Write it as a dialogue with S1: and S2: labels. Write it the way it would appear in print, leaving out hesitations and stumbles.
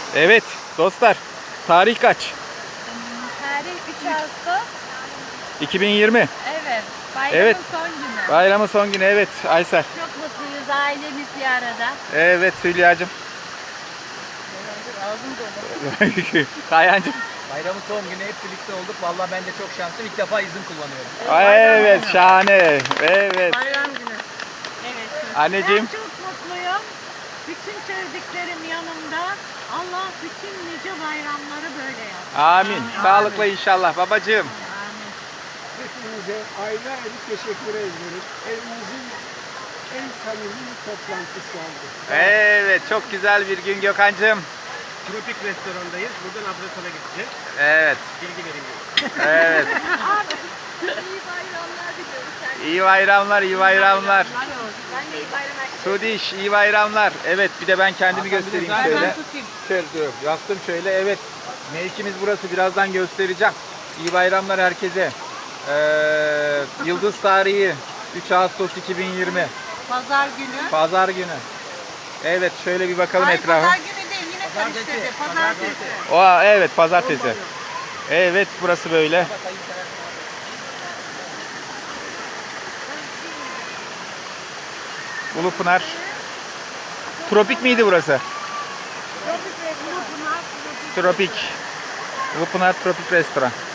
S1: Evet dostlar. Tarih kaç?
S2: Tarih 3 Ağustos.
S1: 2020.
S2: Evet. Bayramın
S1: Evet.
S2: son günü.
S1: Bayramın son günü. Evet Aysel.
S2: Çok mutluyuz ailemiz bir arada.
S1: Evet Hülya'cığım.
S2: Ağzım dolu.
S1: Kayancığım.
S3: Bayramın son günü hep birlikte olduk. Vallahi ben de çok şanslıyım. İlk defa izin kullanıyorum.
S1: Evet şahane. Evet.
S2: Bayram günü. Evet.
S1: Anneciğim.
S4: Ben çok mutluyum. Bütün sevdiklerim yanımda. Allah bütün nice bayramları böyle yapsın.
S1: Amin. Sağlıkla inşallah babacığım.
S4: Amin.
S5: Hepinize ayrı ayrı teşekkür ediyoruz. Evimizin en samimi toplantısı oldu.
S1: Evet çok güzel bir gün Gökhan'cığım.
S3: Tropik restorandayız. Buradan Abdülhamid'e gideceğiz.
S1: Evet.
S3: Bilgi vereyim.
S1: Evet.
S2: İyi bayramlar diliyorum.
S1: İyi bayramlar, iyi bayramlar.
S2: Ben de iyi bayramlar.
S1: Sudiş, iyi bayramlar. Evet, bir de ben kendimi göstereyim şöyle.
S2: tutayım.
S1: Şöyle dur, yaptım şöyle. Evet, mevkimiz burası. Birazdan göstereceğim. İyi bayramlar herkese. Yıldız tarihi 3 Ağustos 2020.
S2: Pazar günü.
S1: Pazar günü. Evet, şöyle bir bakalım
S2: Ay,
S1: etrafa.
S2: pazar günü değil yine karıştırdı. Pazartesi.
S1: Oha, evet, pazartesi. Evet, burası böyle. Ulupınar. Tropik miydi burası? Tropik. Ulupınar Tropik Restoran.